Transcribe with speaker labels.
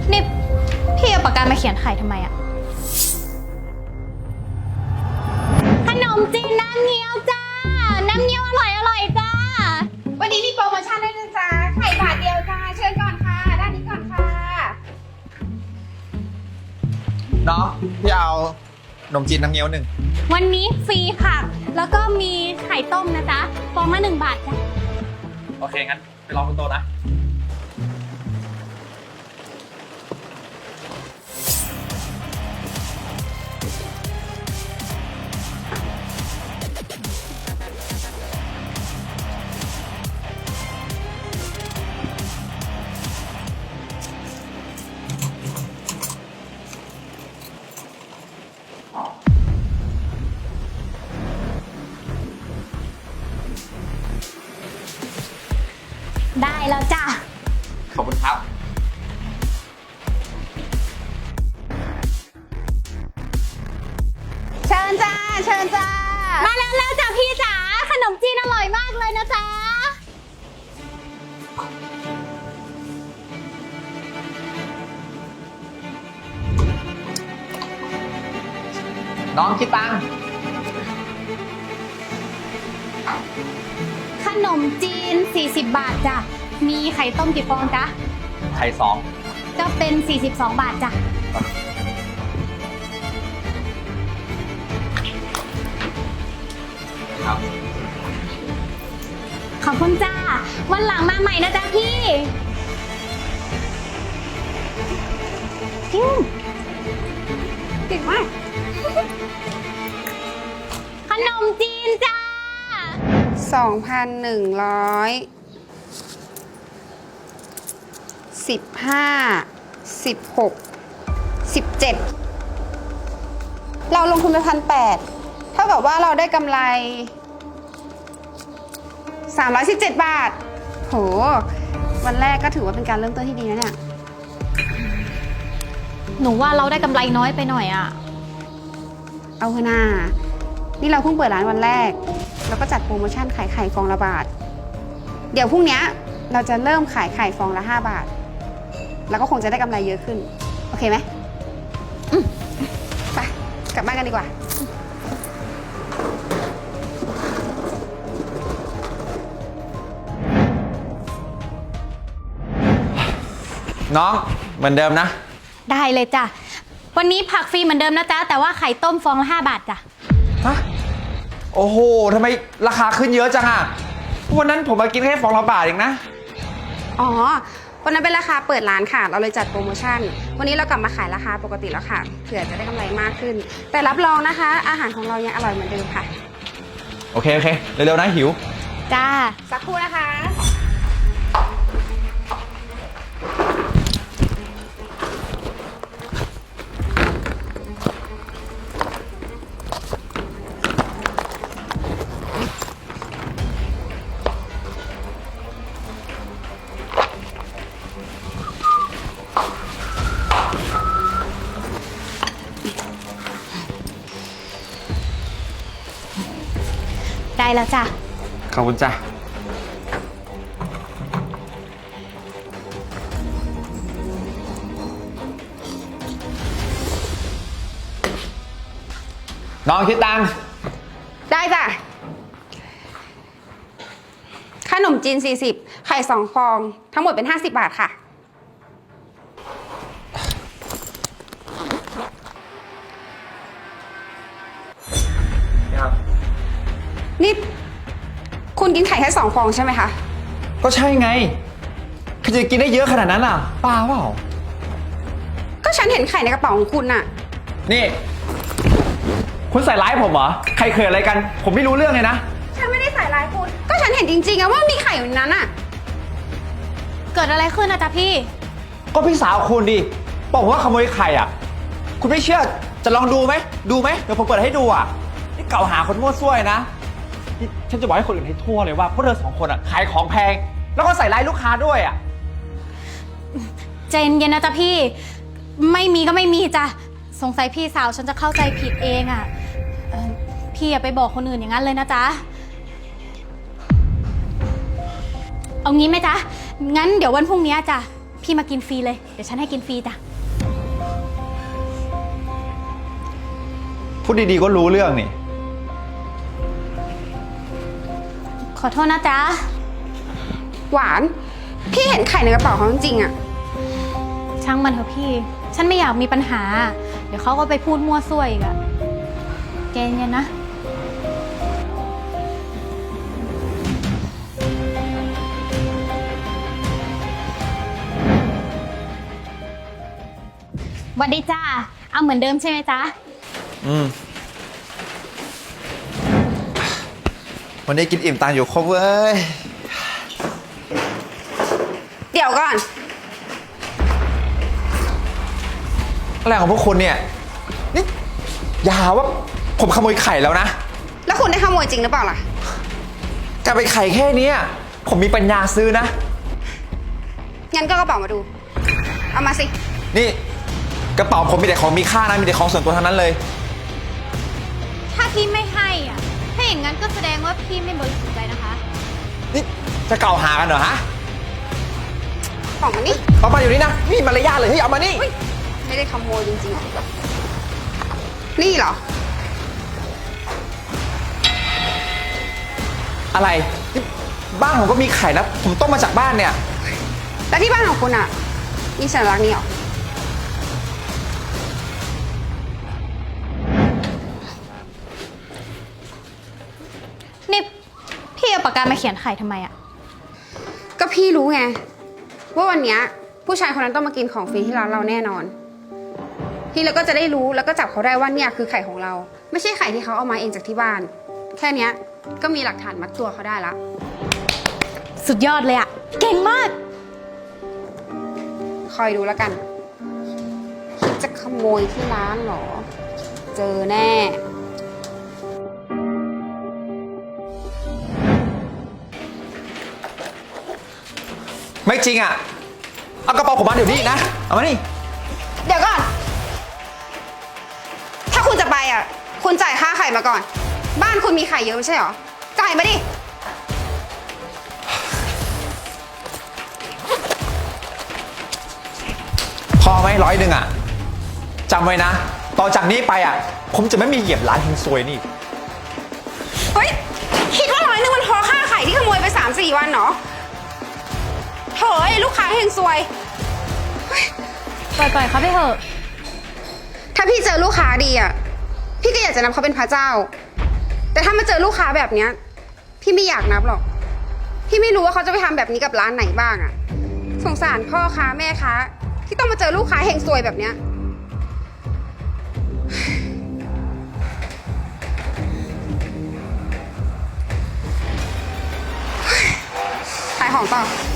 Speaker 1: นี่พี่เอาปากกามาเขียนไข่ทำไมอะขนมจีนน้ำเงี้ยวจ้าน้ำเงี้ยวอร่อยจ้า
Speaker 2: วันนี้มีโปรโมชั่นด้วยนะจ๊ะไข่บาทเดียวจ้าเชิญก่อนค่ะด้านนี้ก่อนค่ะ
Speaker 3: น้องพี่เอาขนมจีนน้ำเงี้ยวหนึ่ง
Speaker 1: วันนี้ฟรีค่ะแล้วก็มีไข่ต้มนะจ๊ะฟองละ1 บาทจ้ะ
Speaker 3: โอเคงั้นไปรอบนโต๊ะนะ
Speaker 1: ได้แล้วจ้ะ
Speaker 3: ขอบคุณครับ
Speaker 2: เชิญจ้าเชิญจ้า
Speaker 1: มาแล้วจ้ะพี่จ๋าขนมจีนอร่อยมากเลยนะจ๊ะ
Speaker 3: น้องคิดตังค์
Speaker 1: ขนมจีน40 บาทจ้ะมีไข่ต้มกี่ฟองจ๊ะ
Speaker 3: ไข่สอง
Speaker 1: ก็เป็น42 บาทจ้ะ
Speaker 3: ครับ
Speaker 1: ขอบคุณจ้าวันหลังมาใหม่นะจ๊ะพี่
Speaker 2: เก่งมาก
Speaker 1: ขนมจีนจ้า
Speaker 2: 2,100 16 17เราลงทุนไป1,800เท่ากับว่าเราได้กำไร317 บาทโหวันแรกก็ถือว่าเป็นการเริ่มต้นที่ดีนะเนี่ย
Speaker 1: หนูว่าเราได้กำไรน้อยไปหน่อยอะ
Speaker 2: เอาเถอะนานี่เราเพิ่งเปิดร้านวันแรกแล้วก็จัดโปรโมชั่นขายไข่ฟองละบาทเดี๋ยวพรุ่งนี้เราจะเริ่มขายไข่ฟองละ5 บาทแล้วก็คงจะได้กำไรเยอะขึ้นโอเคไหมไปกลับบ้านกันดีกว่า
Speaker 3: น้องเหมือนเดิมนะ
Speaker 1: ได้เลยจ้ะวันนี้ผักฟรีเหมือนเดิมนะจ๊ะแต่ว่าไข่ต้มฟองละ5 บาทจ้ะ
Speaker 3: ฮะโอ้โหทำไมราคาขึ้นเยอะจังอะวันนั้นผมมากินแค่ฟองละบาทเองนะ
Speaker 2: อ๋อวันนั้นเป็นราคาเปิดร้านค่ะเราเลยจัดโปรโมชั่นวันนี้เรากลับมาขายราคาปกติแล้วค่ะเผื่อจะได้กำไรมากขึ้นแต่รับรองนะคะอาหารของเรายังอร่อยเหมือนเดิมค่ะ
Speaker 3: โอเคเร็วๆนะหิว
Speaker 1: จ้า
Speaker 2: สักครู่นะคะ
Speaker 1: ได้แล้วจ้ะ
Speaker 3: ขอบคุณจ้ะน้องคิดตังค์
Speaker 2: ได้จ้ะขนมจีน40ไข่2 ฟองทั้งหมดเป็น50 บาทค่ะนี่คุณกินไข่แค่2 ฟองใช่ไหมคะ
Speaker 3: ก็ใช่ไงใครจะกินได้เยอะขนาดนั้นอ่ะป้าเปล่า
Speaker 2: ก็ฉันเห็นไข่ในกระเป๋าของคุณน่ะ
Speaker 3: นี่คุณใส่ร้ายผมเหรอใครเคยอะไรกันผมไม่รู้เรื่องเลยนะ
Speaker 2: ฉันไม่ได้ใส่ร้ายคุณก็ฉันเห็นจริงๆอะว่ามีไข่อยู่ในนั้นอะ
Speaker 1: เกิดอะไรขึ้นนะจ๊ะพี่
Speaker 3: ก็พี่สาวคุณดิบอกว่าขโมยไข่อ่ะคุณไม่เชื่อจะลองดูไหมเดี๋ยวผมเปิดให้ดูอ่ะนี่เก่าหาคนมั่วซั่วนะฉันจะบอกให้คนอื่นให้ทั่วเลยว่าพวกเธอ2 คนอ่ะขายของแพงแล้วก็ใส่ร้ายลูกค้าด้วยอ่ะ
Speaker 1: ใจเย็นๆนะจ๊ะพี่ไม่มีก็ไม่มีจ้ะสงสัยพี่สาวฉันจะเข้าใจผิดเองอ่ะพี่อย่าไปบอกคนอื่นอย่างนั้นเลยนะจ๊ะเอางี้ไหมจ๊ะงั้นเดี๋ยววันพรุ่งนี้จ้ะพพี่มากินฟรีเลย เดี๋ยวฉันให้กินฟรีจ้ะ
Speaker 3: พูดดีๆก็รู้เรื่องนี่
Speaker 1: ขอโทษนะจ๊ะ
Speaker 2: หวาน พี่เห็นไข่ในกระเป๋าเขาจริงๆอะ
Speaker 1: ช่างมันเถอะพี่ ฉันไม่อยากมีปัญหา เดี๋ยวเขาก็ไปพูดมั่วซั่วอีกอะใจเย็นๆนะ หวัสดีจ้า เอาเหมือนเดิมใช่ไหมจ๊ะ
Speaker 3: วันนี้กินอิ่มตังอยู่ครบเว้ย
Speaker 2: เดี๋ยวก่อน
Speaker 3: อะไรของพวกคุณเนี่ย นี่อย่าหาว่าผมขโมยไข่แล้วนะ
Speaker 2: แล้วคุณได้ขโมยจริงหรือเปล่าล่ะ
Speaker 3: จะไปไข่แค่เนี้ยผมมีปัญญาซื้อนะ
Speaker 2: งั้นก็กระเป๋ามาดู เอามาสิ
Speaker 3: นี่กระเป๋าผมมีแต่ของมีค่านะ มีแต่ของส่วนตัวทั้งนั้นเลย
Speaker 1: ถ้าพี่ไม่ให้อ่ะ ถ้าอย่างนั้นก็แสดงว่าพี่ไม่บริสุทธิ์ใจนะคะ
Speaker 3: นี่จะกล่าวหากันเหรอฮะ
Speaker 2: ของมันนี่
Speaker 3: เอามาอยู่นี่นะไมมีมารยาทเลยเฮ้ยเอามานี่
Speaker 2: ไม่ได้ขโมยจริงๆหรอนี่เหรอ
Speaker 3: อะไรนี่บ้านผมก็มีไข่นะ ผมต้มมาจากบ้านเนี่ย
Speaker 2: แล้วที่บ้านของคุณอ่ะ มีสัญลักษณ์นี้เหรอ
Speaker 1: นี่พี่เอาปากกามาเขียนไข่ทำไมอ่ะ
Speaker 2: ก็พี่รู้ไง ว่าวันเนี้ยผู้ชายคนนั้นต้องมากินของฟรีที่ร้านเราแน่นอน พี่แล้วก็จะได้รู้แล้วก็จับเขาได้ว่าเนี่ยคือไข่ของเรา ไม่ใช่ไข่ที่เขาเอามาเองจากที่บ้าน แค่เนี้ยก็มีหลักฐานมัดตัวเขาได้ละ
Speaker 1: สุดยอดเลยอ่ะ เก่งมาก
Speaker 2: คอยดูแล้วกันคิดจะขโมยที่ร้านเหรอ เจอแน่
Speaker 3: ไม่จริงอ่ะ เอากระเป๋าผมมาเดี๋ยวนี้นะ เอามานี่
Speaker 2: เดี๋ยวก่อน ถ้าคุณจะไปอ่ะ คุณจ่ายค่าไข่มาก่อน บ้านคุณมีไข่เยอะไม่ใช่เหรอ จ่ายมาดิ
Speaker 3: พอไหม100อ่ะจำไว้นะ ต่อจากนี้ไปอ่ะ ผมจะไม่มีเหยียบร้านเฮงซวยนี่
Speaker 2: เฮ้ย คิดว่า100มันพอค่าไข่ที่ขโมยไป 3-4 วันเหรอโถ่ไอ้ลูกค้าเฮงซวย
Speaker 1: ปล่อยๆเขาไปเถอะ
Speaker 2: ถ้าพี่เจอลูกค้าดีอ่ะ พี่ก็อยากจะนับเขาเป็นพระเจ้า แต่ถ้ามาเจอลูกค้าแบบเนี้ย พี่ไม่อยากนับหรอก พี่ไม่รู้ว่าเขาจะไปทำแบบนี้กับร้านไหนบ้างอ่ะ สงสารพ่อค้าแม่ค้าที่ต้องมาเจอลูกค้าเฮงซวยแบบเนี้ย ขายของต่อ